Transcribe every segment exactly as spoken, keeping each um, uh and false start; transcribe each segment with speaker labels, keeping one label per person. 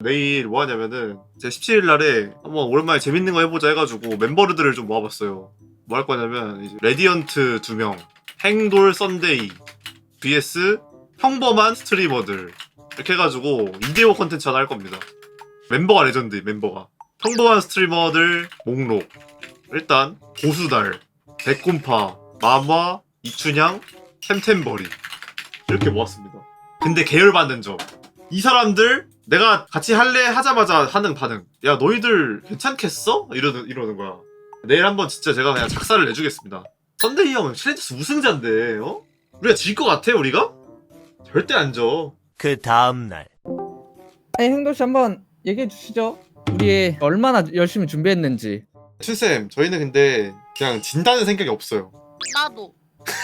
Speaker 1: 내일 뭐 하냐면은 제가 십칠 일 날에 한번 오랜만에 재밌는 거 해보자 해가지고 멤버들을 좀 모아봤어요. 뭐 할 거냐면 이제 레디언트 두 명, 행돌 썬데이 vs 평범한 스트리머들 이렇게 해가지고 이 대 오 컨텐츠 하나 할 겁니다. 멤버가 레전드 멤버가 평범한 스트리머들 목록 일단 고수달, 백곰파, 마마, 이춘향, 템템버리 이렇게 모았습니다. 근데 계열받는 점 이 사람들 내가 같이 할래 하자마자 하는 반응 야 너희들 괜찮겠어? 이러는, 이러는 거야. 내일 한번 진짜 제가 그냥 작사를 내주겠습니다. 썬데이 형은 챌린저스 우승자인데 어? 우리가 질 것 같아 우리가? 절대 안 져.
Speaker 2: 그 다음날
Speaker 3: 아니 행도씨 한번 얘기해 주시죠. 우리 얼마나 열심히 준비했는지.
Speaker 1: 춘쌤 저희는 근데 그냥 진다는 생각이 없어요.
Speaker 4: 나도.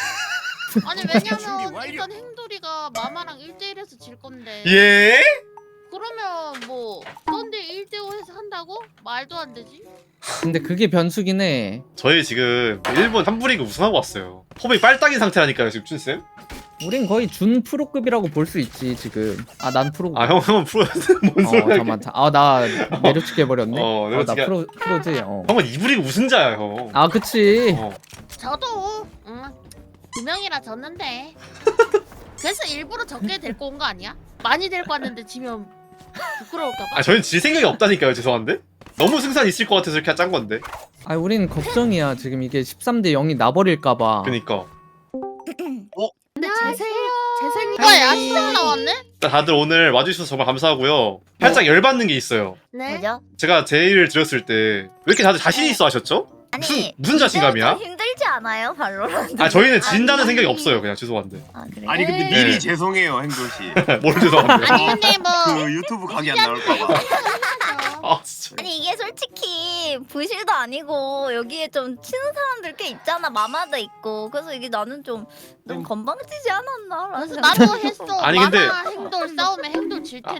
Speaker 4: 아니 왜냐면 일단 행돌이가 마마랑 일 대 일에서 질 건데.
Speaker 1: 예?
Speaker 4: 그러면 뭐 썬데 일 대 오 해서 한다고? 말도 안 되지.
Speaker 3: 근데 그게 변수긴 해.
Speaker 1: 저희 지금 일본 한부리그 우승하고 왔어요. 폼이 빨딱인 상태라니까요 지금 춘쌤.
Speaker 3: 우린 거의 준 프로급이라고 볼 수 있지 지금. 아 난 프로급.
Speaker 1: 아 형, 형은 프로였어? 뭔
Speaker 3: 어
Speaker 1: 소리야.
Speaker 3: 잠깐만. 아나 내려치게 해버렸네.
Speaker 1: 어,
Speaker 3: 어, 나
Speaker 1: 내려치게-
Speaker 3: 프로 프로지. 어.
Speaker 1: 형은 이부리그 우승자야 형.
Speaker 3: 아 그치.
Speaker 1: 어.
Speaker 4: 저도 응. 두 명이라 졌는데. 그래서 일부러 적게 데리고 온 거 아니야? 많이 데리고 왔는데 지면 부끄러울까봐.
Speaker 1: 아 저희는 질 생각이 없다니까요 죄송한데. 너무 승산 있을 것 같아서 이렇게 짠 건데.
Speaker 3: 아 우린 걱정이야 지금 이게 십삼 대 영이 나버릴까봐.
Speaker 1: 그니까.
Speaker 4: 근데 재생 재생이가 야시장 나왔네?
Speaker 1: 다들 오늘 와주셔서 정말 감사하고요. 살짝 열받는 게 있어요.
Speaker 4: 네.
Speaker 5: 뭐죠?
Speaker 1: 제가 제의를 드렸을 때 왜 이렇게 다들 자신 있어 하셨죠? 무슨
Speaker 5: 아니
Speaker 1: 무슨 자신감이야?
Speaker 5: 좀 힘들지 않아요 발로란트?
Speaker 1: 아 저희는 진다는
Speaker 5: 아니,
Speaker 1: 생각이 없어요. 그냥 죄송한데.
Speaker 5: 아 그래?
Speaker 6: 아니 근데
Speaker 4: 에이.
Speaker 6: 미리
Speaker 1: 네.
Speaker 6: 죄송해요 행돌씨.
Speaker 1: 뭘 죄송한데.
Speaker 4: 아니 근데 뭐
Speaker 6: 그 유튜브 각이 안 나올까봐.
Speaker 1: 아 진짜.
Speaker 5: 아니 이게 솔직히 부실도 아니고 여기에 좀 치는 사람들 꽤 있잖아. 마마도 있고 그래서 이게 나는 좀, 좀 건방지지 않았나 라는
Speaker 4: 그래서
Speaker 5: 생각이
Speaker 4: 나도 했어.
Speaker 1: 음. 아니, 근데-
Speaker 4: 마마 행돌 싸우면 행돌 질 텐데.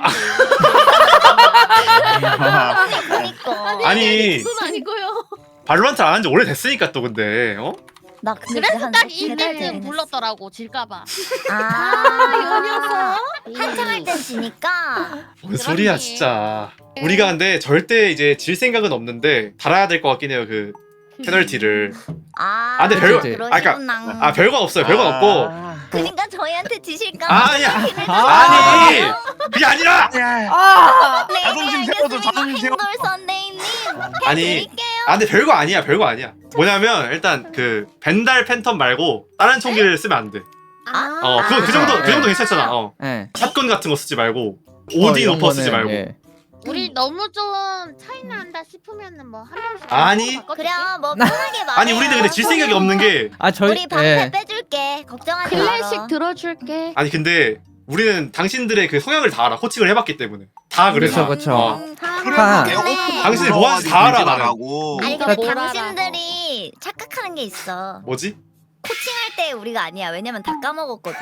Speaker 5: 그니까
Speaker 1: 아니
Speaker 4: 그건 아니고요.
Speaker 1: 발로란트 안 한 지 오래됐으니까 또 근데 어?
Speaker 5: 나 근데
Speaker 4: 그래서
Speaker 5: 한
Speaker 4: 딱
Speaker 5: 세달
Speaker 4: 이때는
Speaker 5: 되긴
Speaker 4: 불렀더라고 질까봐.
Speaker 5: 했어. 아
Speaker 4: 녀석.
Speaker 5: 한창 할 땐 지니까
Speaker 1: 뭔
Speaker 4: 그러니.
Speaker 1: 소리야 진짜. 우리가 근데 절대 이제 질 생각은 없는데 달아야 될 것 같긴 해요 그 페널티를.
Speaker 5: 아,
Speaker 1: 아, 근데 별거-
Speaker 5: 그러시구나.
Speaker 1: 아 별건 없어요. 별건 없고.
Speaker 5: 그러니까 저희한테 지실까
Speaker 1: 아, 아니야. 아니 그게 아니라.
Speaker 3: 아.
Speaker 5: 네,
Speaker 6: 자존심
Speaker 5: 네,
Speaker 6: 세워줘,
Speaker 5: 알겠습니다.
Speaker 6: 자존심 세워.
Speaker 5: 행돌 선데이님
Speaker 1: 아니
Speaker 5: 해드릴게요.
Speaker 1: 아 근데 별거 아니야. 별거 아니야. 뭐냐면 일단 그 벤달 팬텀 말고 다른 총기를 쓰면 안 돼.
Speaker 5: 아,
Speaker 1: 어 그거 그 정도 그 정도 괜찮잖아. 어
Speaker 3: 예.
Speaker 1: 샷건 같은 거 쓰지 말고
Speaker 3: 어,
Speaker 1: 오딘
Speaker 3: 이런
Speaker 1: 오퍼 쓰지
Speaker 3: 거는,
Speaker 1: 말고.
Speaker 3: 예.
Speaker 4: 우리 너무 좀 차이 난다 싶으면은 뭐 한 명씩
Speaker 1: 아니.
Speaker 5: 그래 뭐 편하게 말해.
Speaker 1: 아니 우리는 근데 질 생각이 없는 게
Speaker 3: 아 저희
Speaker 5: 우리 방패
Speaker 3: 예.
Speaker 5: 빼줄게. 걱정하지 마.
Speaker 4: 클래식 들어줄게.
Speaker 1: 아니 근데 우리는 당신들의 그 성향을 다 알아. 코칭을 해봤기 때문에 다 그래.
Speaker 3: 그쵸,
Speaker 1: 다.
Speaker 3: 그쵸.
Speaker 1: 어.
Speaker 6: 그래도
Speaker 3: 아.
Speaker 6: 내가
Speaker 1: 당신이 뭐 하는지 다 알아, 나는.
Speaker 6: 나라고.
Speaker 5: 아니
Speaker 4: 이거
Speaker 5: 근데
Speaker 4: 뭘
Speaker 5: 당신들이 착각하는 게 있어.
Speaker 1: 뭐지?
Speaker 5: 코칭할 때 우리가 아니야. 왜냐면 다 까먹었거든.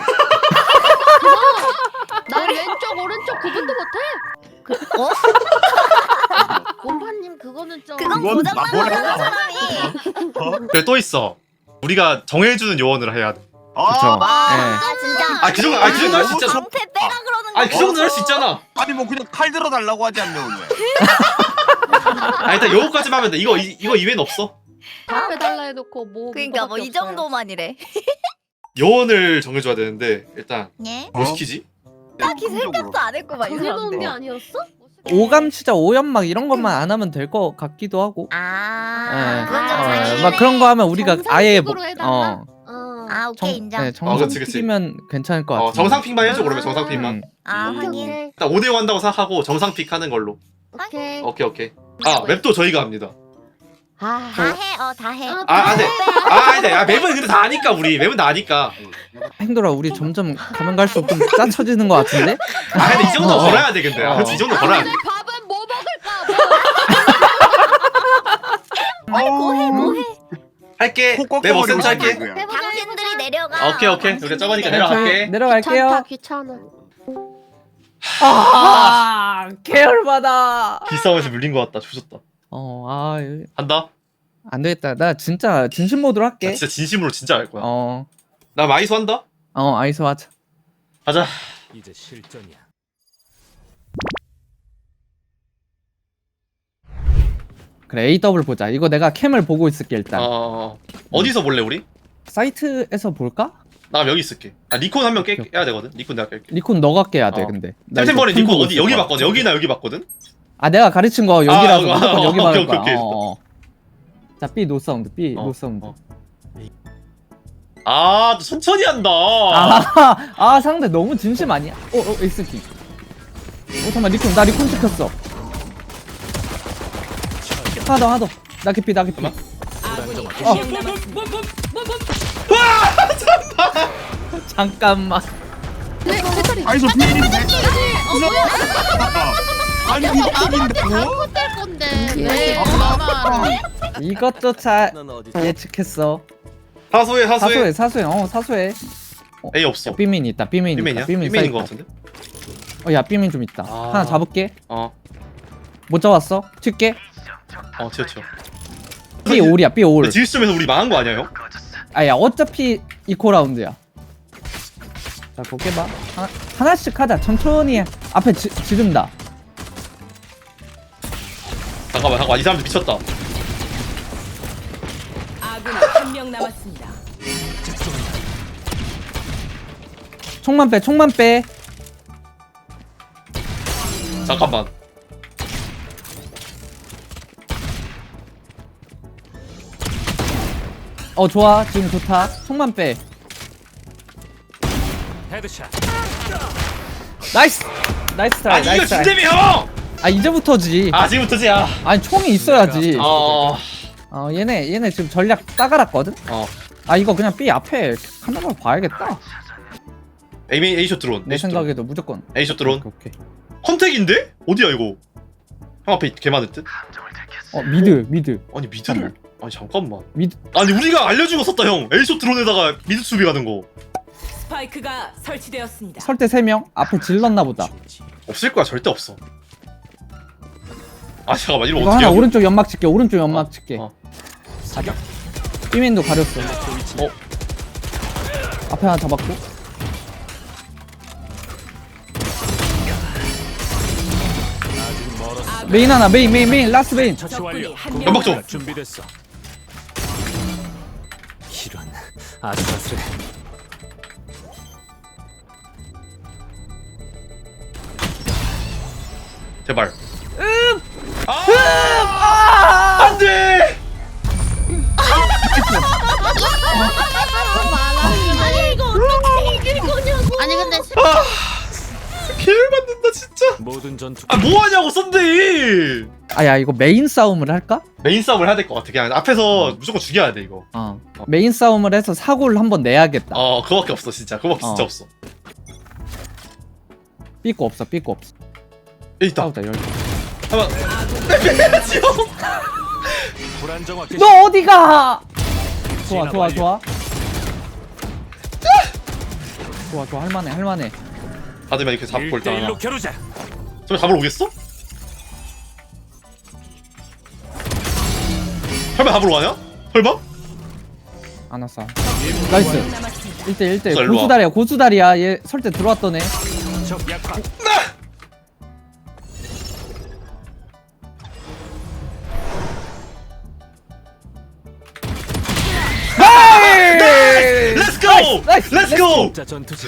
Speaker 4: 난 왼쪽 오른쪽 구분도 못해.
Speaker 5: 어?
Speaker 4: 곰파님 그거는 좀.
Speaker 5: 그건
Speaker 6: 그건
Speaker 5: 고장난
Speaker 6: 뭐라고?
Speaker 5: 거잖아 사람이.
Speaker 1: 그래 또 있어. 우리가 정해주는 요원을 해야 돼.
Speaker 3: 그쵸.
Speaker 5: 아 진짜.
Speaker 1: 아, 그 정도- 아, 그 정도 할수 있잖아.
Speaker 5: 방패 빼라 그러는 거.
Speaker 1: 아니 그 정도는 할 수 있잖아.
Speaker 6: 아니 뭐 그냥 칼 들어 달라고 하지 않냐 오늘.
Speaker 1: 아 일단 요거까지만 하면 돼. 이거 이, 이거 이외는 없어.
Speaker 4: 앞에 달라 해놓고 뭐.
Speaker 5: 그러니까 뭐 이 정도만이래.
Speaker 1: 요원을 정해줘야 되는데 일단
Speaker 5: 예?
Speaker 1: 뭐 시키지?
Speaker 5: 딱히 생각도 안 했고 막이
Speaker 4: 그게 놓은 게
Speaker 5: 사람들.
Speaker 4: 아니었어?
Speaker 3: 오감 치자 오연막 이런 것만 안 하면 될 것 같기도 하고.
Speaker 5: 아,
Speaker 3: 예.
Speaker 5: 그건 좀
Speaker 3: 어,
Speaker 5: 사기네.
Speaker 3: 막 그런 거 하면 우리가 아예 뭐,
Speaker 4: 정상식으로 해달라?
Speaker 3: 어,
Speaker 4: 어.
Speaker 5: 아 오케이
Speaker 3: 정,
Speaker 5: 인정.
Speaker 3: 네,
Speaker 1: 어,
Speaker 3: 정상
Speaker 1: 그치, 그치.
Speaker 3: 픽이면 괜찮을 것 같아.
Speaker 1: 어 정상픽만 해줘 그러면 정상픽만.
Speaker 3: 음.
Speaker 5: 아
Speaker 1: 음.
Speaker 5: 확인.
Speaker 1: 일단 오 대 오 한다고 생각하고 정상픽 하는 걸로.
Speaker 4: 오케이.
Speaker 1: 오케이 오케이. 아 맵도 저희가 합니다.
Speaker 4: 아.
Speaker 5: 다 해, 어 다 해.
Speaker 4: 아,
Speaker 1: 아 안돼. 아 안돼. 아 맵은 근데 다 아니까 우리 맵은 다 아니까.
Speaker 3: 행돌아 우리 점점 가면 갈수록 좀 짜쳐지는 것 같은데?
Speaker 1: 아 근데 이 정도
Speaker 3: 어.
Speaker 1: 걸어야 돼 근데. 아, 그렇지 이 정도 걸어야 돼.
Speaker 4: 밥은 뭐 먹을까?
Speaker 5: 아니 뭐해 뭐해.
Speaker 1: 할게.
Speaker 6: 코
Speaker 1: 내
Speaker 6: 꺾여버리고
Speaker 1: 머센터 할게.
Speaker 6: 싶네, 그냥.
Speaker 4: 해보자,
Speaker 5: 당신들이
Speaker 4: 해보자.
Speaker 5: 내려가.
Speaker 1: 오케이 오케이. 우리가 저거니까
Speaker 5: 당신들이
Speaker 1: 내려갈게.
Speaker 3: 저희 내려갈게요.
Speaker 4: 귀찮다 귀찮아.
Speaker 3: 아, 계열받아.
Speaker 1: 기싸움에서 물린 것 같다. 조졌다.
Speaker 3: 어, 아,
Speaker 1: 한다.
Speaker 3: 안 되겠다. 나 진짜 진심 모드로
Speaker 1: 나
Speaker 3: 할게.
Speaker 1: 진짜 진심으로 진짜 할 거야.
Speaker 3: 어,
Speaker 1: 나 마이소 한다.
Speaker 3: 어, 아이소 하자.
Speaker 1: 가자.
Speaker 2: 이제 실전이야.
Speaker 3: 그래 에이 더블 보자. 이거 내가 캠을 보고 있을게 일단.
Speaker 1: 어 어디서 볼래 우리?
Speaker 3: 사이트에서 볼까?
Speaker 1: 나 여기 있을게. 아 니콘 한 명
Speaker 3: 오케이.
Speaker 1: 깨야 되거든. 니콘 내가 깰게.
Speaker 3: 니콘 너가 깨야 돼
Speaker 1: 어.
Speaker 3: 근데. 나 이거
Speaker 1: 템템버린
Speaker 3: 캠
Speaker 1: 니콘
Speaker 3: 보고
Speaker 1: 어디
Speaker 3: 있을
Speaker 1: 여기
Speaker 3: 거야.
Speaker 1: 봤거든. 여기나 여기 봤거든.
Speaker 3: 아 내가 가르친 거 여기라서
Speaker 1: 아,
Speaker 3: 무조건
Speaker 1: 아,
Speaker 3: 여기
Speaker 1: 오케이,
Speaker 3: 말할
Speaker 1: 오케이,
Speaker 3: 거야.
Speaker 1: 오케이.
Speaker 3: 어, 어. 자 B 노 사운드 B
Speaker 1: 어,
Speaker 3: 노 사운드.
Speaker 1: 어. 아, 또 천천히 한다.
Speaker 3: 아, 아 상대 너무 진심 아니야? 어, 어, 에이스키. 어, 잠깐만, 리콘, 나 리콘 찍혔어. 하나 더, 하나 더. 나 개피, 나 개피.
Speaker 2: 아군이
Speaker 3: 어.
Speaker 2: 한 명 남았습니다.
Speaker 3: 잠깐만.
Speaker 6: 아니 저 비밀인데.
Speaker 4: 어 뭐야?
Speaker 6: 아니
Speaker 4: 아무한테
Speaker 6: 비밀인다고?
Speaker 4: 잘못될 건데
Speaker 3: 예.
Speaker 4: 왜 엄마가
Speaker 3: 이것조차 예측했어.
Speaker 1: 사소해, 사소해.
Speaker 3: 사소해, 사소해, 어, 사소해.
Speaker 1: A 없어.
Speaker 3: 야, 삐민 있다, 삐민
Speaker 1: 삐맨이야?
Speaker 3: 있다, 삐민
Speaker 1: 삐맨인 거
Speaker 3: 사이트.
Speaker 1: 같은데?
Speaker 3: 어, 야, 삐민 좀 있다.
Speaker 1: 아.
Speaker 3: 하나 잡을게.
Speaker 1: 어,
Speaker 3: 못 잡았어. 튈게.
Speaker 1: 어, 튀어, 튀어.
Speaker 3: B 올이야, B 올.
Speaker 1: 근데 지휘점에서 우리 망한 거 아니야, 형?
Speaker 3: 아, 야, 어차피 이코 라운드야. 자, 곱게 봐. 하나, 하나씩 하자. 천천히 해. 앞에 지, 지른다.
Speaker 1: 잠깐만, 잠깐만. 이 사람들 미쳤다.
Speaker 2: 아군이 한 명 남았습니다.
Speaker 3: 총만 빼, 총만 빼.
Speaker 1: 잠깐만.
Speaker 3: 어, 좋아. 지금 좋다. 총만 빼.
Speaker 7: 헤드샷.
Speaker 3: 나이스! 나이스 트라이,
Speaker 1: 아니, 이거
Speaker 3: 나이스 트라이.
Speaker 1: 진대미 형!
Speaker 3: 아, 이제부터지.
Speaker 1: 아, 지금부터지, 야.
Speaker 3: 아니, 총이 있어야지.
Speaker 1: 어,
Speaker 3: 어, 얘네, 얘네 지금 전략 따갈았거든?
Speaker 1: 어.
Speaker 3: 아, 이거 그냥 B 앞에 카메라 봐야겠다.
Speaker 1: A, A쇼 드론.
Speaker 3: 내
Speaker 1: A쇼 드론.
Speaker 3: 생각에도 무조건.
Speaker 1: A쇼 드론.
Speaker 3: 오케이, 오케이.
Speaker 1: 컨택인데? 어디야, 이거? 형 앞에 개 많을 듯?
Speaker 3: 어, 미드, 미드.
Speaker 1: 아니, 미드를. 아니, 잠깐만.
Speaker 3: 미드.
Speaker 1: 아니, 우리가 알려주고 썼다, 형. A쇼 드론에다가 미드 수비 가는 거.
Speaker 2: 스파이크가 설치되었습니다.
Speaker 3: 설대 세 명? 앞에 질렀나 보다.
Speaker 1: 없을 거야, 절대 없어. 아, 잠깐만, 이거
Speaker 3: 이거
Speaker 1: 어떻게
Speaker 3: 하나
Speaker 1: 하지?
Speaker 3: 오른쪽 연막 칠게, 오른쪽 연막
Speaker 1: 어,
Speaker 3: 칠게.
Speaker 1: 어.
Speaker 3: 사격. B맨도 가렸어.
Speaker 1: 어?
Speaker 3: 앞에 하나 잡았고.
Speaker 2: 아군
Speaker 3: 메인 하나, 메인, 메인, 메인, 라스트 메인.
Speaker 7: 처치
Speaker 2: 적군이
Speaker 7: 완료.
Speaker 2: 한 명
Speaker 1: 연막 좀.
Speaker 2: 남았습니다.
Speaker 7: 준비됐어. 이런 아주 가스래.
Speaker 1: 제발. 음! 아! 안 돼!
Speaker 4: 아니 이거 어떻게 이길 거냐고. 아니 근데
Speaker 1: 개를 받는다, 진짜.
Speaker 7: 모든 전투.
Speaker 1: 아, 뭐 하냐고, 썬데이!
Speaker 3: 아, 야, 이거 메인 싸움을 할까?
Speaker 1: 메인 싸움을 해야 될 것 같아. 그냥 앞에서 무조건 죽여야 돼, 이거.
Speaker 3: 어. 메인 싸움을 해서 사고를 한번 내야겠다.
Speaker 1: 어, 그거밖에 없어, 진짜. 그거밖에 진짜
Speaker 3: 어.
Speaker 1: 없어.
Speaker 3: 삐고 없어, 삐고 없어.
Speaker 1: 여기 있다.
Speaker 3: 싸우자, 열.
Speaker 1: 한번.
Speaker 7: 불안정화 개시.
Speaker 3: 너 어디가? 좋아, 좋아, 좋아. 좋아, 좋아, 할만해, 할만해.
Speaker 1: 받으면 이렇게 잡고 일단.
Speaker 7: 일대일로 겨루자.
Speaker 1: 저기 잡으러 오겠어? 설마 잡으러 가냐? 설마?
Speaker 3: 안 왔어.
Speaker 2: 한
Speaker 3: 나이스.
Speaker 2: 명 남았습니다.
Speaker 3: 일 대 일 대
Speaker 1: 자, 일로 와.
Speaker 3: 고수다리야, 고수다리야. 얘 설때 들어왔던 애.
Speaker 7: 적 약화.
Speaker 3: 네!
Speaker 1: Let's go!
Speaker 3: 나이스, 나이스,
Speaker 1: Let's go!
Speaker 7: 진짜 전투지.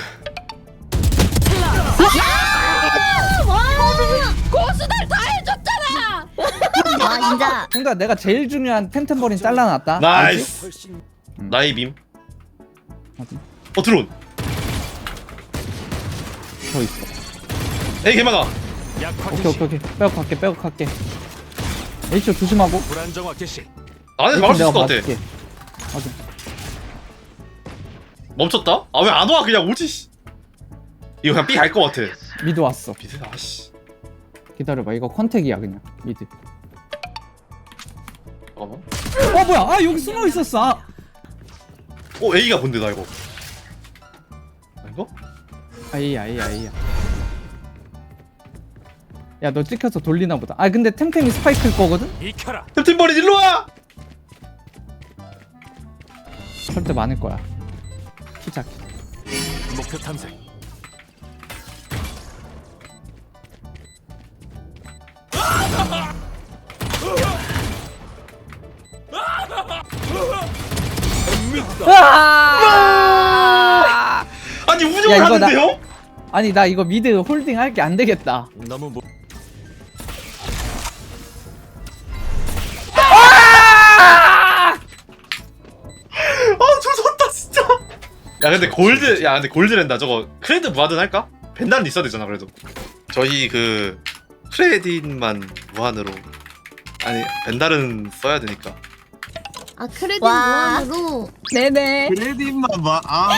Speaker 4: 고수들 다 해줬잖아.
Speaker 5: 아 인자.
Speaker 3: 형들 내가 제일 중요한 템템버린 잘라놨다.
Speaker 1: 나이스.
Speaker 7: 훨씬
Speaker 1: 나의 빔.
Speaker 3: 어디?
Speaker 1: 어, 드론.
Speaker 3: 알지? 더 있어.
Speaker 1: 에이, 개많아.
Speaker 7: 약화
Speaker 3: 오케이
Speaker 7: 개시.
Speaker 3: 오케이 오케이. 빼고 갈게 빼고 갈게. H 조심하고.
Speaker 7: 불안정화 개시.
Speaker 1: 안에서 막을 수 있을 것 같아.
Speaker 3: 맞을게. 확인.
Speaker 1: 멈췄다? 아, 왜 안 와? 그냥 오지, 씨. 이거 그냥 B 갈 것 같아.
Speaker 3: 미드 왔어.
Speaker 1: 미드, 아씨.
Speaker 3: 기다려봐. 이거 컨택이야 그냥. 미드.
Speaker 1: 잠깐만.
Speaker 3: 어 뭐야? 아 여기 숨어 있었어. 아.
Speaker 1: 어, A가 뭔데, 나 이거. 아닌가?
Speaker 3: 아이야 아이야 아이야. 야 너 찍혀서 돌리나 보다. 아 근데 템템이 스파이크일 거거든?
Speaker 7: 익혀라.
Speaker 1: 템템버린 일로 와!
Speaker 3: 절대 많을 거야. 키작.
Speaker 7: 목표 탐색.
Speaker 3: 으아!
Speaker 1: 아니
Speaker 3: 야,
Speaker 1: 운영을
Speaker 3: 이거 나-
Speaker 1: 하는데요?
Speaker 3: 아니 나 이거 미드 홀딩 할게 안 되겠다.
Speaker 7: 너무 무...
Speaker 1: 아 조졌다 진짜. 야 근데 골드 야 근데 골드랜다 저거 크레딧 무한은 할까? 벤달은 있어야 되잖아 그래도. 저희 그 크레딧만 무한으로 아니 벤달은 써야 되니까.
Speaker 4: 아 크레딧
Speaker 5: 와.
Speaker 4: 무한으로.
Speaker 5: 네네.
Speaker 6: 크레딧만 봐. 아,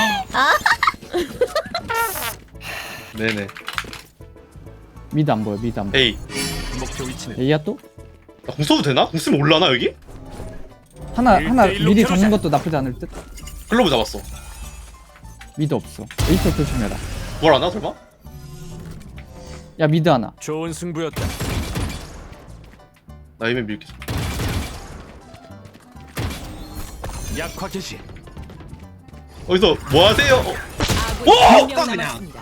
Speaker 1: 네네.
Speaker 3: 미드 안 보여 미드 안 보여.
Speaker 1: 에이
Speaker 7: 목표 위치는
Speaker 3: A야 또?
Speaker 1: 나 공 써도 되나? 공 쓰면 올라나 여기?
Speaker 3: 하나 하나
Speaker 7: 일대일로
Speaker 3: 미리
Speaker 7: 켜놓자.
Speaker 3: 잡는 것도 나쁘지 않을 듯.
Speaker 1: 글로브 잡았어.
Speaker 3: 미드 없어. A 쪽 조심해라.
Speaker 1: 뭘 하나 설마?
Speaker 3: 야 미드 하나.
Speaker 7: 좋은 승부였다.
Speaker 1: 나 이면 밀게.
Speaker 7: 약화 개시.
Speaker 1: 어디서 뭐 하세요? 어,
Speaker 2: 아군이 한 명
Speaker 6: 그냥.
Speaker 2: 남았습니다.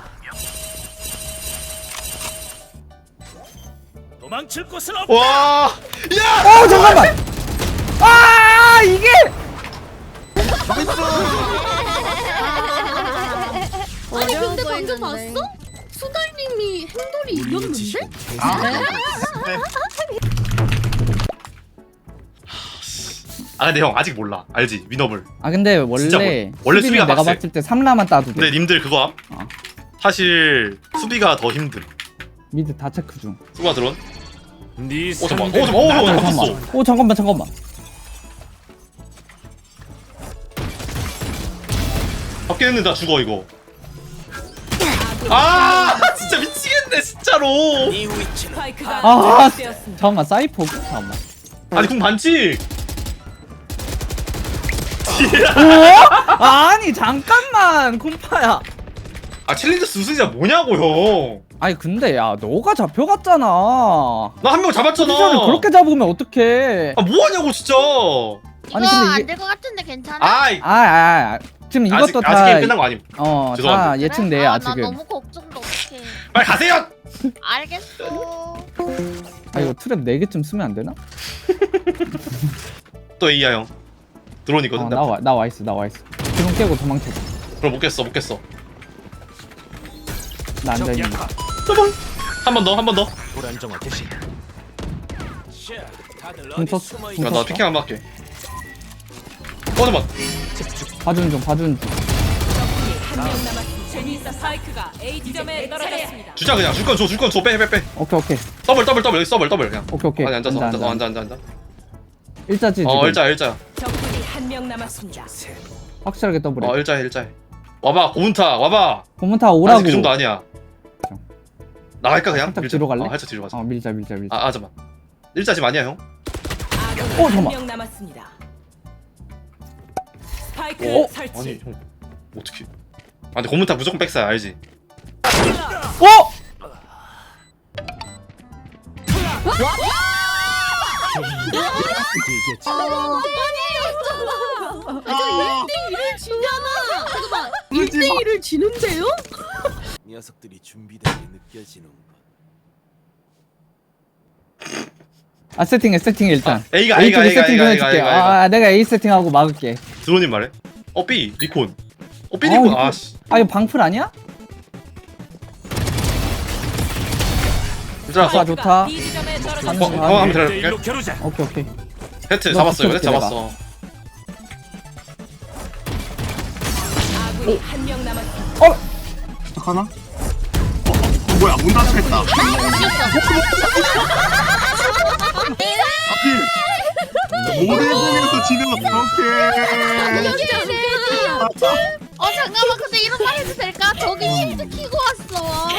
Speaker 7: 도망칠 곳은 없다.
Speaker 1: 와, 야!
Speaker 3: 어 잠깐만. 아 이게
Speaker 4: 아니 근데 방금 봤어? 수달님이 행돌이 이겼는데?
Speaker 1: 아 근데 형 아직 몰라. 알지? 위너블.
Speaker 3: 아 근데
Speaker 1: 진짜
Speaker 3: 원래
Speaker 1: 뭘- 원래 수비가
Speaker 3: 내가
Speaker 1: 빡세.
Speaker 3: 봤을 때 삼 라만 따도 돼.
Speaker 1: 근데 님들 그거 함?
Speaker 3: 어.
Speaker 1: 사실 수비가 더 힘듦.
Speaker 3: 미드 다 체크 중.
Speaker 1: 수가 드론.
Speaker 7: 네
Speaker 1: 어 잠깐.
Speaker 7: 상대
Speaker 1: 어 잠깐. 어
Speaker 3: 아,
Speaker 1: 잠깐.
Speaker 3: 잠깐만.
Speaker 1: 바꿨어.
Speaker 3: 오 잠깐만 잠깐만.
Speaker 1: 바뀌었는데 나 죽어 이거.
Speaker 2: 아군이
Speaker 1: 아 진짜 미치겠네 진짜로.
Speaker 2: 스파이크가
Speaker 3: 아
Speaker 2: 설치되었습니다.
Speaker 3: 잠깐만 사이퍼 잠깐만.
Speaker 1: 아니 궁 반칙.
Speaker 3: 오? 아니 잠깐만 콤파야.
Speaker 1: 아 챌린저스 우승자 뭐냐고 형.
Speaker 3: 아니 근데 야 너가 잡혀갔잖아.
Speaker 1: 나 한 명 잡았잖아.
Speaker 3: 포지션을 그렇게 잡으면 어떡해.
Speaker 1: 아 뭐하냐고 진짜.
Speaker 4: 이거
Speaker 3: 아니, 근데 이게-
Speaker 4: 안 될 것 같은데 괜찮아?
Speaker 1: 아이
Speaker 3: 아, 아, 아 지금
Speaker 1: 아직
Speaker 3: 이것도
Speaker 1: 아직
Speaker 3: 다
Speaker 1: 게임 끝난 거 아님.
Speaker 3: 어, 다
Speaker 1: 죄송합니다.
Speaker 3: 예측돼야
Speaker 4: 아, 나
Speaker 3: 지금.
Speaker 4: 너무 걱정도 어떡해.
Speaker 1: 빨리 가세요.
Speaker 4: 알겠어.
Speaker 3: 아 이거 트랩 네 개쯤 쓰면 안 되나?
Speaker 1: 또 A야 형. 드론이거든.
Speaker 3: 어,
Speaker 1: 나
Speaker 3: 나와 나와 있어 나와 있어. 드론 깨고 도망쳐.
Speaker 1: 그럼 못 깼어 못 깼어.
Speaker 3: 나 앉아
Speaker 7: 적
Speaker 3: 있는.
Speaker 7: 약화.
Speaker 1: 한 번 더 한 번 더.
Speaker 7: 불안정화 개시.
Speaker 3: 궁 썼어. 궁
Speaker 1: 야, 나
Speaker 3: 썼어.
Speaker 1: 피킹 한 번 할게. 어 잠깐.
Speaker 3: 봐주는 중 봐주는 중.
Speaker 2: 적군이 한 명 남았습니다. 제니스 스파이크가 A 지점에 떨어졌습니다.
Speaker 1: 주자 그냥 줄 건 줘 줄 건 줘 빼 빼 빼.
Speaker 3: 오케이 오케이
Speaker 1: 더블 더블 더블 여기 더블 더블 그냥.
Speaker 3: 오케이 오케이.
Speaker 1: 아니 앉아서 앉아서 앉아 앉아 앉아.
Speaker 3: 일자지 지금.
Speaker 1: 어 일자 일자.
Speaker 2: 적군이 한 명 남았습니다.
Speaker 3: 확실하게 더블해.
Speaker 1: 어 일자 일자. 와봐 고문타 와봐.
Speaker 3: 고문타 오라고.
Speaker 1: 아직 그 정도 아니야. 나갈까 그냥?
Speaker 3: 살짝
Speaker 1: 밀자.
Speaker 3: 뒤로 갈래?
Speaker 1: 어, 살짝 뒤로 가자.
Speaker 3: 어 밀자 밀자 밀자.
Speaker 1: 아, 아 잠깐. 일자 지금 아니야 형?
Speaker 2: 아군이
Speaker 3: 어,
Speaker 2: 한
Speaker 3: 잠깐만.
Speaker 2: 명 남았습니다. 스파이크
Speaker 1: 어?
Speaker 2: 설치.
Speaker 1: 아니 형 어떻게? 아 근데 고문타 무조건 백사야 알지?
Speaker 3: 어?
Speaker 7: 얘기했지.
Speaker 6: 아,
Speaker 4: 일을 지잖아. 잠깐만.
Speaker 6: 울지 마.
Speaker 4: 일을 지는데요?
Speaker 8: 녀석들이 준비된 게 느껴지는 것.
Speaker 3: 아 세팅해 세팅해 일단.
Speaker 1: 아, A가
Speaker 3: A
Speaker 1: A가
Speaker 3: 쪽에
Speaker 1: A가
Speaker 3: 세팅 좀
Speaker 1: A가
Speaker 3: 해줄게.
Speaker 1: A가 A가.
Speaker 3: 아 내가 A 세팅하고 막을게.
Speaker 1: 드론님 말해? 어 B 리콘. 어 B
Speaker 3: 아,
Speaker 1: 리콘.
Speaker 3: 리콘.
Speaker 1: 아씨.
Speaker 3: 아 이거 방풀 아니야?
Speaker 1: 일자.
Speaker 3: 좋아, 좋다.
Speaker 2: B 지점에
Speaker 1: 어,
Speaker 2: 떨어졌습니다.
Speaker 1: 어 한번
Speaker 7: 일대일로
Speaker 1: 들어볼게.
Speaker 7: 겨루자.
Speaker 3: 오케이 오케이.
Speaker 1: 헤트
Speaker 3: 너
Speaker 1: 잡았어요. 헤트
Speaker 3: 붙여줄게,
Speaker 1: 잡았어.
Speaker 2: 아군이 한 명 남았습니다.
Speaker 6: 어떡하나? 어, 어, 뭐야 문 닫혔다. 하필 모래공에서 지는 어떡해.
Speaker 4: 어 잠깐만 근데 이런 말 해도 될까? 저기 실드 키고 왔어.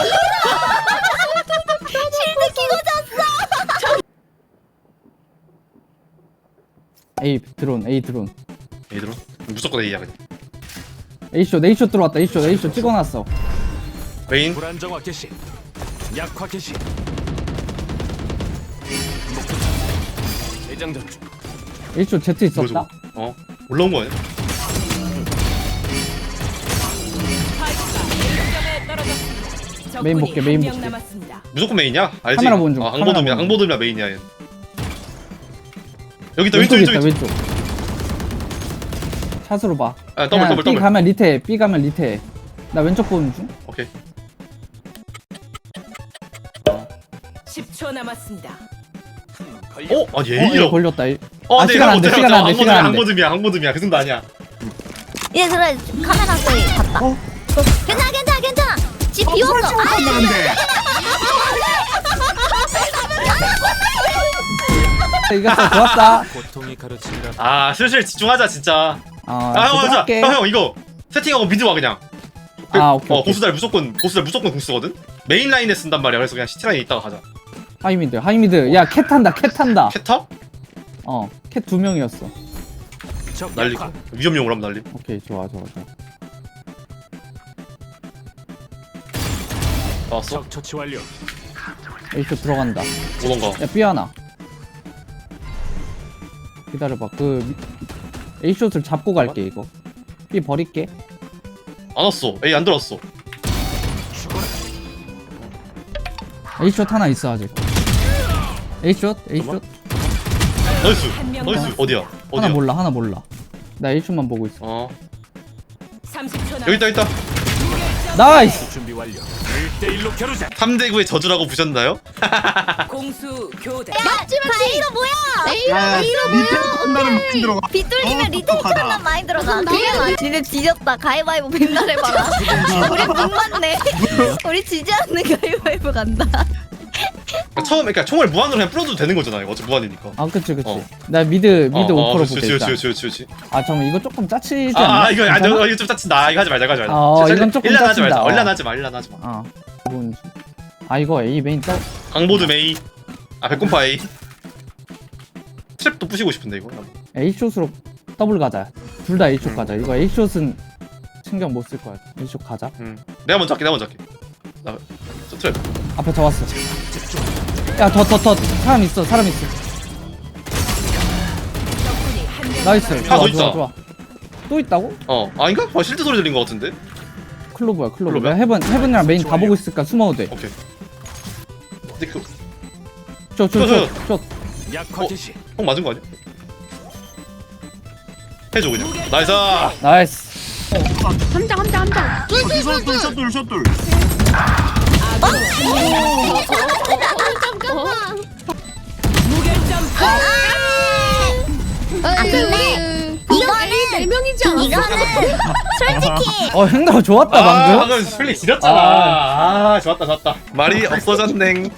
Speaker 5: 실드 끼고 잤어.
Speaker 3: A 드론 A 드론.
Speaker 1: A 드론? 무조건 A야 그냥.
Speaker 3: A 숏 A 숏 들어왔다. A 숏 A 숏 찍어놨어.
Speaker 1: 메인.
Speaker 7: 불안정화 개시. 약화 개시. 대장전 중.
Speaker 3: A 숏 Z
Speaker 1: 뭐야,
Speaker 3: 있었다.
Speaker 1: 저거? 어 올라온 거 아니야?
Speaker 2: 스파이크가 A 지점에 떨어졌습니다.
Speaker 3: 메인
Speaker 2: 적군이
Speaker 3: 볼게, 메인
Speaker 2: 한 명
Speaker 3: 볼게.
Speaker 2: 남았습니다.
Speaker 1: 무조건 메인이야? 알지?
Speaker 3: 카메라 보는 중,
Speaker 1: 아,
Speaker 3: 카메라
Speaker 1: 항보돔이야.
Speaker 3: 보는 중.
Speaker 1: 항보돔이야 메인이야 얘. 여기 있다 왼쪽
Speaker 3: 왼쪽에
Speaker 1: 왼쪽
Speaker 3: 있다
Speaker 1: 왼쪽.
Speaker 3: 왼쪽. 샷으로 봐.
Speaker 1: 아 더블
Speaker 3: 그냥
Speaker 1: 더블
Speaker 3: B
Speaker 1: 더블.
Speaker 3: 가면 리테, B 가면 리테. 나 왼쪽 보는 중.
Speaker 1: 오케이.
Speaker 2: 십 초 남았습니다.
Speaker 8: 걸려.
Speaker 1: 어? 아니
Speaker 3: 어, 이거
Speaker 1: A라고.
Speaker 3: 걸렸다.
Speaker 1: 어,
Speaker 3: 아,
Speaker 1: 네,
Speaker 3: 시간 안 돼,
Speaker 1: 못해,
Speaker 3: 시간 안 돼,
Speaker 1: 못해.
Speaker 3: 시간 안 돼.
Speaker 1: 항모듬이야, 항모듬이야. 그 정도 아니야.
Speaker 5: 얘 그래 카메라 소리 봤다.
Speaker 1: 어?
Speaker 5: 괜찮아 괜찮아 괜찮아. 집 비웠어. 아,
Speaker 6: 한다는데.
Speaker 3: 이겼어, 좋았어.
Speaker 7: 고통이 가르친다.
Speaker 1: 아, 슬슬 집중하자 진짜.
Speaker 3: 어,
Speaker 1: 아, 형, 자,
Speaker 3: 할게.
Speaker 1: 형, 형 이거 세팅하고 미드 와 그냥.
Speaker 3: 아, 오케이,
Speaker 1: 어,
Speaker 3: 오케이.
Speaker 1: 고수달 무조건 고수달 무조건 공 쓰거든. 메인 라인에 쓴단 말이야. 그래서 그냥 시티 라인에 있다가 가자.
Speaker 3: 하이미드, 하이미드. 야, 캣 탄다, 캣 탄다.
Speaker 1: 캐터?
Speaker 3: 어, 캣 두 명이었어.
Speaker 7: 적
Speaker 1: 날리고
Speaker 7: 약화.
Speaker 1: 위험용으로 하면 날림.
Speaker 3: 오케이, 좋아, 좋아, 좋아.
Speaker 1: 나왔어?
Speaker 7: 적 처치 완료.
Speaker 3: 에이쇼 들어간다.
Speaker 1: 오던가.
Speaker 3: 야, B 하나. 기다려봐. 그 A숏을 잡고 갈게 이거. B 버릴게.
Speaker 1: 안 왔어. 에이 안 들어왔어.
Speaker 3: A숏 하나 있어 아직. A숏, A숏.
Speaker 1: 나이스.
Speaker 2: 한명
Speaker 1: 나이스. 어디야?
Speaker 3: 하나
Speaker 1: 어디야?
Speaker 3: 몰라, 하나 몰라. 나 A숏만 보고 있어.
Speaker 1: 어.
Speaker 2: 삼십 초
Speaker 1: 여기 있다,
Speaker 2: 남았습니다.
Speaker 1: 있다.
Speaker 3: 나이스.
Speaker 7: 준비 완료. 일 대 일로 겨루자.
Speaker 1: 삼 대 구의 저주라고 부셨나요?
Speaker 2: 공수 교대.
Speaker 5: 바이로 뭐야?
Speaker 6: 야, 리테이크 한다는 많이 들어가.
Speaker 5: 빗돌리면
Speaker 6: 어,
Speaker 5: 리테이크
Speaker 6: 똑똑하다.
Speaker 5: 한단 많이 들어가. 그게 맞. 니네 뒤졌다. 가위바위보 맨날 해봐라. 우리 못 맞네. 우리 지지 않는 가위바위보 간다.
Speaker 1: 그러니까 처음 그러니까 총을 무한으로 그냥 뿌려도 되는 거잖아요. 어차피 무한이니까.
Speaker 3: 아, 그치, 그치.
Speaker 1: 어.
Speaker 3: 나 미드, 미드
Speaker 1: 어, 어,
Speaker 3: 오퍼로
Speaker 1: 그렇지,
Speaker 3: 볼게
Speaker 1: 그렇지,
Speaker 3: 일단.
Speaker 1: 그렇지, 그렇지, 그렇지.
Speaker 3: 아, 잠깐만 이거 조금 짜치지
Speaker 1: 아,
Speaker 3: 않나?
Speaker 1: 아 이거 아,
Speaker 3: 괜찮아?
Speaker 1: 저, 이거 좀 짜친다. 이거 하지 말자, 이거 하지 말자.
Speaker 3: 어,
Speaker 1: 진짜
Speaker 3: 이건 조금
Speaker 1: 일란 하지 말자.
Speaker 3: 짜친다. 어.
Speaker 1: 일란 하지 마, 일란 하지 마.
Speaker 3: 아, 뭔? 아 이거 A 메인 떠.
Speaker 1: 강보드 메이. 아 백곰파 A. 트랩도 부시고 싶은데 이거.
Speaker 3: A숏으로 더블 가자. 둘 다 A숏 가자. 이거 A숏은 신경 못 쓸 거야. A숏 가자.
Speaker 1: 음. 내가 먼저 할게, 내가 먼저 할게. 나, 저 트랩.
Speaker 3: 앞에 더 왔어. 야, 더, 더, 더. 사람 있어, 사람 있어.
Speaker 2: 적군이 한명
Speaker 3: 나이스.
Speaker 1: 하나
Speaker 3: 좋아,
Speaker 1: 더
Speaker 3: 좋아,
Speaker 1: 있다.
Speaker 3: 좋아. 또 있다고?
Speaker 1: 어, 아닌가? 아, 실드 소리 들린 것 같은데.
Speaker 3: 클로브야, 클로브.
Speaker 1: 클로브야?
Speaker 3: 내가 헤븐, 헤븐이랑 메인 다 보고 있으니까 숨어도 돼.
Speaker 1: 오케이. 근데 그,
Speaker 3: 저, 저, 저, 저.
Speaker 7: 약화
Speaker 1: 어?
Speaker 7: 개시.
Speaker 1: 형 맞은 거 아니야? 해줘 그냥. 나이스.
Speaker 3: 나이스.
Speaker 4: 함장 함장 함장.
Speaker 6: 숏돌, 숏돌, 숏돌.
Speaker 4: 잠깐만.
Speaker 2: 무결점
Speaker 5: 아 근데 이거는
Speaker 4: 네 명이지 않았어?
Speaker 5: 이거는 솔직히
Speaker 3: 어, 행동 좋았다,
Speaker 1: 아,
Speaker 3: 방금.
Speaker 1: 방금 슬리 지렸잖아. 아, 좋았다, 좋았다. 말이 없어졌네.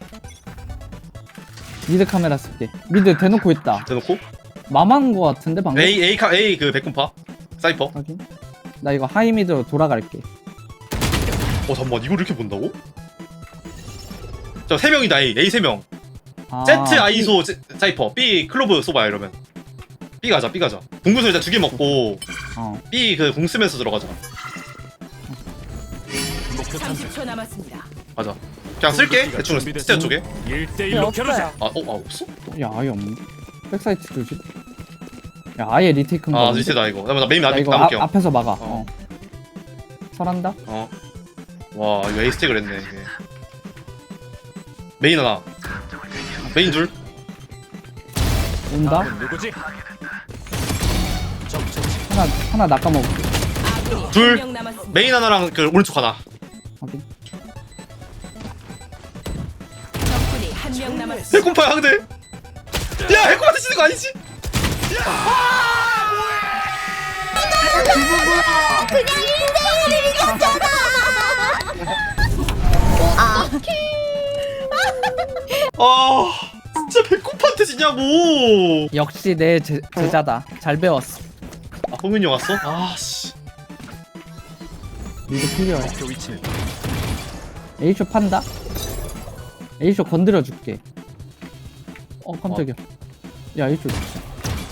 Speaker 3: 미드 카메라 쓸게. 미드 대놓고 있다.
Speaker 1: 대놓고.
Speaker 3: 마만 거 같은데, 방금?
Speaker 1: A, A, 카, A 그 백곰파. 사이퍼.
Speaker 3: 확인. 나 이거 하이 미드로 돌아갈게.
Speaker 1: 어, 잠깐만, 이걸 이렇게 본다고? 저 세 명이다, A. A 세 명.
Speaker 3: 아,
Speaker 1: Z, 아이소, 제- 사이퍼. B, 클로브 쏘봐요, 이러면. B 가자, B 가자. 공구수 일단 두 개 먹고,
Speaker 3: 어.
Speaker 1: B 그 공 쓰면서 들어가자.
Speaker 7: 목표 탐색.
Speaker 2: 삼십 초 남았습니다.
Speaker 1: 가자. 그냥 쓸게. 대충 스테어 쪽에.
Speaker 7: 일 대 일로 겨루자.
Speaker 1: 아, 어, 아, 없어?
Speaker 3: 야, 아예 없네. 백사이트 조심. 야, 아예 리테이크인 거.
Speaker 1: 아,
Speaker 3: 같은데?
Speaker 1: 리셋다, 이거. 나, 나 메인
Speaker 3: 야,
Speaker 1: 나,
Speaker 3: 이거
Speaker 1: 나볼게요.
Speaker 3: 앞, 앞에서 막아.
Speaker 1: 어.
Speaker 3: 어. 설한다?
Speaker 1: 어. 와, 이거 A 스택을 했네, 이게. 메인 하나. 메인 둘.
Speaker 3: 온다?
Speaker 7: 다음은 누구지? 적 처치.
Speaker 3: 하나, 하나 낚아먹을게.
Speaker 2: 아군이
Speaker 1: 둘.
Speaker 2: 한명 남았습니다.
Speaker 1: 메인 하나랑 그 오른쪽 하나.
Speaker 3: 확인.
Speaker 2: 적군이 한명 남았습니다.
Speaker 1: 해콤파야, 근데. 야, 해콤한테 치는 거 아니지?
Speaker 5: 그냥 일 대 일을 이겼잖아. 아
Speaker 1: 아, 진짜 배꼽한테 지냐고.
Speaker 3: 역시 내 제, 제자다. 잘 배웠어.
Speaker 1: 아, 홍윤이 형 왔어? 아, 씨.
Speaker 3: 미드 클리어야.
Speaker 7: 목표 위치는
Speaker 3: A쇼 판다? A쇼 건드려 줄게. 어, 깜짝이야. 야, A쇼 진짜.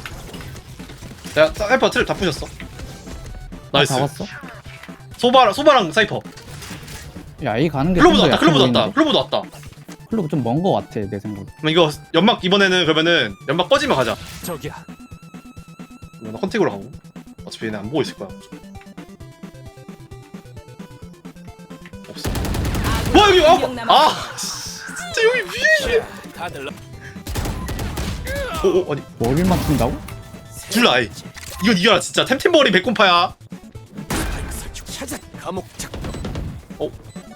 Speaker 1: 야, 사이퍼 트랩 다 부셨어. 나이스.
Speaker 3: 다 왔어?
Speaker 1: 소바, 소바랑 사이퍼.
Speaker 3: 야, A 가는 게
Speaker 1: 클로브도
Speaker 3: 좀 더
Speaker 1: 왔다,
Speaker 3: 약해
Speaker 1: 클로브도 왔다,
Speaker 3: 보이는데?
Speaker 1: 클로브도 왔다.
Speaker 3: 클로브 좀 먼 거 같아, 내 생각에.
Speaker 1: 그럼 이거 연막 이번에는 그러면은 연막 꺼지면 가자.
Speaker 7: 적이야.
Speaker 1: 이거 나 컨택으로 가고. 어차피 얘네 안 보고 있을 거야. 없어. 와 여기 아,
Speaker 2: 한명 남았습니다.
Speaker 1: 아 씨, 진짜 여기 위에.
Speaker 7: 다들 나.
Speaker 1: 오, 오 아니
Speaker 3: 머리를 맞춘다고?
Speaker 1: 둘 아이. 이건 이겨라 진짜. 템템버리 백곰파야.
Speaker 8: 스파이크 설치 찾아. 감옥 작동.
Speaker 1: 어?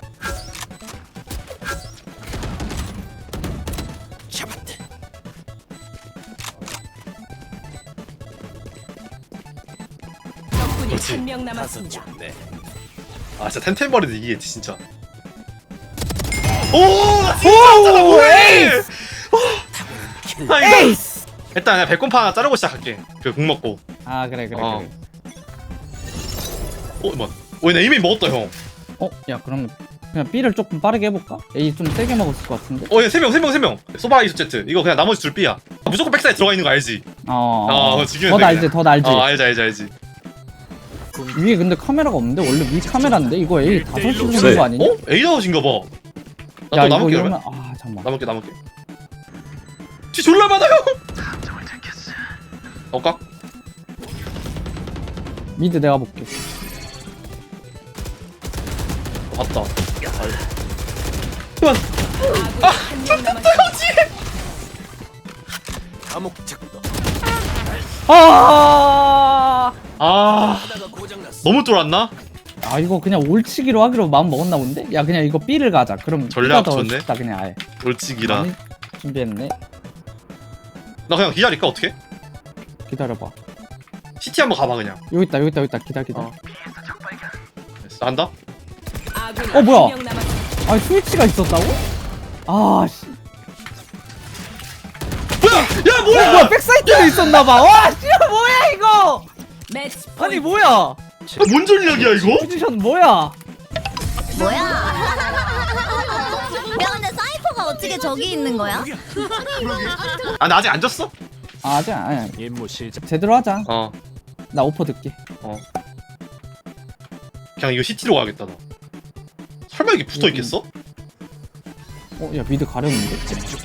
Speaker 8: 잡았다.
Speaker 2: 적군이
Speaker 1: 그렇지.
Speaker 2: 한 명
Speaker 8: 다섯
Speaker 2: 남았습니다.
Speaker 8: 점. 네.
Speaker 1: 아 진짜 템템버리도 이기겠지 진짜. 오! 나 진짜 없잖아 뭐해! 아 이거
Speaker 3: 에이스!
Speaker 1: 일단 그냥 백곰파 하나 자르고 시작할게. 그 국 먹고.
Speaker 3: 아 그래 그래
Speaker 1: 어.
Speaker 3: 그래.
Speaker 1: 어 뭐? 어, 나 이미 먹었다 형.
Speaker 3: 어? 야 그럼 그냥 B를 조금 빠르게 해볼까? A 좀 세게 먹었을 것 같은데?
Speaker 1: 어, 세 명, 세 명, 세 명. 소바 이즈 제트. 이거 그냥 나머지 둘 B야. 아, 무조건 백사이드 들어가 있는 거 알지?
Speaker 3: 어,
Speaker 1: 어,
Speaker 3: 어.
Speaker 1: 지금
Speaker 3: 더 날지 더 날지.
Speaker 1: 어, 알지, 알지, 알지.
Speaker 3: 위에 근데 카메라가 없는데? 원래 위 카메라인데? 이거 A 다섯 시
Speaker 7: 일대일로
Speaker 3: 주는 거 아니냐?
Speaker 1: 어? A 나오신가 봐. 나
Speaker 3: 야
Speaker 1: 또
Speaker 3: 이거
Speaker 1: 남을게
Speaker 3: 이러면
Speaker 1: 그러면.
Speaker 3: 아 잠깐만.
Speaker 1: 남을게, 남을게. 뒤 졸라 많아요. 어, 까?
Speaker 3: 미드 내가 볼게.
Speaker 1: 어, 봤다. 그만.
Speaker 2: 아군이 한 명 남았습니다.
Speaker 8: 감옥 작동.
Speaker 3: 아,
Speaker 1: 아,
Speaker 8: 하다가 고장 났어.
Speaker 1: 너무 쫄았나?
Speaker 3: 아 이거 그냥 올치기로 하기로 마음 먹었나 본데? 야 그냥 이거 B를 가자. 그럼
Speaker 1: 전략
Speaker 3: B가 더
Speaker 1: 좋네.
Speaker 3: 쉽다 그냥 아예.
Speaker 1: 돌치기라.
Speaker 3: 많이 준비했네.
Speaker 1: 나 그냥 기다릴까 어떻게?
Speaker 3: 기다려봐.
Speaker 1: 시티 한번 가봐 그냥.
Speaker 3: 여기 있다 여기 있다 여기 있다. 기다려 기다려.
Speaker 1: 어. 됐어, 한다.
Speaker 2: 아군이
Speaker 3: 어, 뭐야?
Speaker 2: 한 명 남았습니다.
Speaker 3: 아 스위치가 있었다고? 아 씨.
Speaker 1: 뭐야? 야
Speaker 3: 어,
Speaker 1: 뭐야?
Speaker 3: 뭐야 백사이트에 있었나봐. 와 씨야 뭐야 이거?
Speaker 2: 매치
Speaker 3: 아니
Speaker 2: 포인트.
Speaker 3: 뭐야?
Speaker 1: 아, 뭔 전략이야 이거?
Speaker 3: 포지션 뭐야?
Speaker 5: 뭐야? 야 근데 사이퍼가 어떻게 저기 있는 거야?
Speaker 1: 아, 나 아직 안 졌어?
Speaker 3: 아 아직 아니
Speaker 7: 임무 시작.
Speaker 3: 제대로 하자.
Speaker 1: 어.
Speaker 3: 나 오퍼 듣게.
Speaker 1: 그냥 이거 시티로 가야겠다 나. 설마 이게 붙어 있겠어?
Speaker 3: 어 야 미드 가렸는데?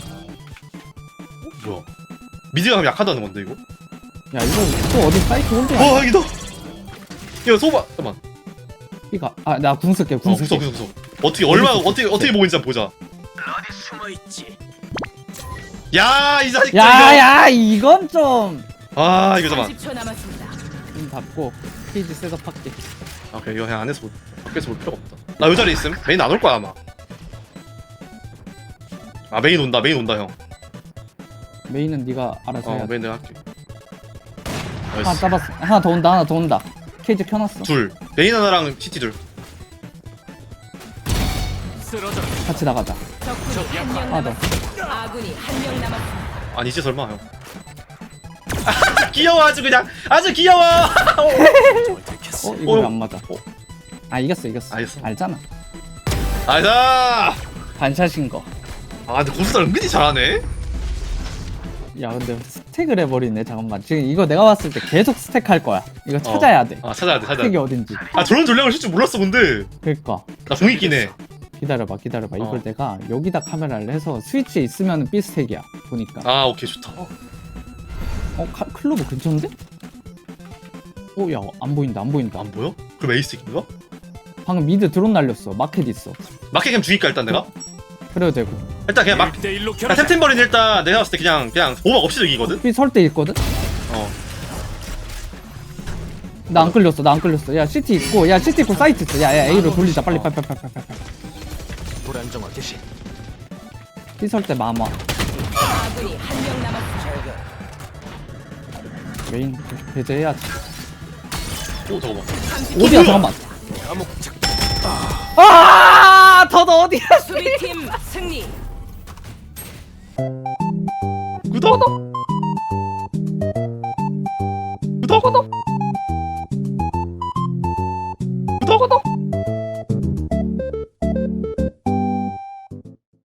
Speaker 1: 뭐야? 미드가 그럼 약하다는 건데 이거?
Speaker 3: 야 이거 또 어디 사이트 혼자?
Speaker 1: 와 여기다. 야 소바 잠깐만.
Speaker 3: B가 아나 궁 쓸게
Speaker 1: 어
Speaker 3: 궁
Speaker 1: 구석
Speaker 3: 쓸게.
Speaker 1: 구석 구석. 어떻게 얼마 어떻게 어떻게 보고 있는지 한번 보자.
Speaker 8: 어디 숨어 있지?
Speaker 1: 야이 자식. 이거.
Speaker 3: 야야 이건 좀.
Speaker 1: 아 이거 잠깐.
Speaker 2: 삼십 초 남았습니다.
Speaker 3: 좀 닫고 페이지 셋업할게.
Speaker 1: 아 그래 이거 그냥 안에서 볼, 밖에서 볼 필요가 없다. 나 이 자리 있음. 메인 안 올 거야 아마. 아 메인 온다 메인 온다 형.
Speaker 3: 메인은 네가 알아서
Speaker 1: 어
Speaker 3: 해야 돼.
Speaker 1: 메인 내가 할게.
Speaker 3: 하나
Speaker 1: 나이스.
Speaker 3: 잡았어. 하나 더 온다 하나 더 온다. 케이지 켜놨어.
Speaker 1: 둘. 메인 하나랑 시티 둘.
Speaker 7: 쓰러져.
Speaker 3: 같이 나가자.
Speaker 2: 적군이 한 명
Speaker 3: 하나 더.
Speaker 2: 남았습니다. 아군이 한 명 남았습니다.
Speaker 1: 아니지 설마 형. 귀여워 아주 그냥 아주 귀여워.
Speaker 8: 뭘 들켰어.
Speaker 3: 어 이거 왜
Speaker 1: 어.
Speaker 3: 안 맞아?
Speaker 1: 어.
Speaker 3: 아 이겼어 이겼어.
Speaker 1: 알겠어.
Speaker 3: 알잖아.
Speaker 1: 아이다.
Speaker 3: 반샷인 거.
Speaker 1: 아 근데 고수달 은근히 잘하네.
Speaker 3: 야 근데 스택을 해버리네. 잠깐만. 지금 이거 내가 봤을 때 계속 스택할 거야. 이거 찾아야 돼.
Speaker 1: 아 찾아야 돼 찾아야
Speaker 3: 스택이
Speaker 1: 돼.
Speaker 3: 어딘지.
Speaker 1: 아 저런 전략을 쓸 줄 몰랐어 근데.
Speaker 3: 그니까.
Speaker 1: 나 공익 기네.
Speaker 3: 기다려봐 기다려봐. 이걸
Speaker 1: 어.
Speaker 3: 내가 여기다 카메라를 해서 스위치에 있으면 B 스택이야. 보니까.
Speaker 1: 아 오케이 좋다.
Speaker 3: 어 카, 클로브 근처인데? 어 야 안 보인다 안 보인다.
Speaker 1: 안 보여? 그럼 에이스인가?
Speaker 3: 방금 미드 드론 날렸어. 마켓 있어.
Speaker 1: 마켓 캠 죽일까 일단 내가?
Speaker 3: 그래도 되고.
Speaker 1: 일단 그냥 막.
Speaker 7: 일 대 일로
Speaker 1: 야,
Speaker 7: 겨루자.
Speaker 1: 템템버린 일단 내가 봤을 때 그냥 그냥 오막 없이 이기거든.
Speaker 3: B 설 때 있거든?
Speaker 1: 어.
Speaker 3: 나 안 끌렸어 나 안 끌렸어. 야 시티 있고 야 시티 있고 사이트 있어. 야야 A로 돌리자 빨리 빨리 빨리 빨리 빨리 빨리.
Speaker 8: 불안정화 개시.
Speaker 3: B 설 때 마마.
Speaker 2: 아군이 한 명 남았습니다.
Speaker 3: 메인 배제해야지.
Speaker 1: 오 잠깐만.
Speaker 3: 어디야 잠깐만.
Speaker 8: 감옥 작동.
Speaker 3: 아, 더 어디야?
Speaker 2: 수비팀 승리.
Speaker 1: 구독.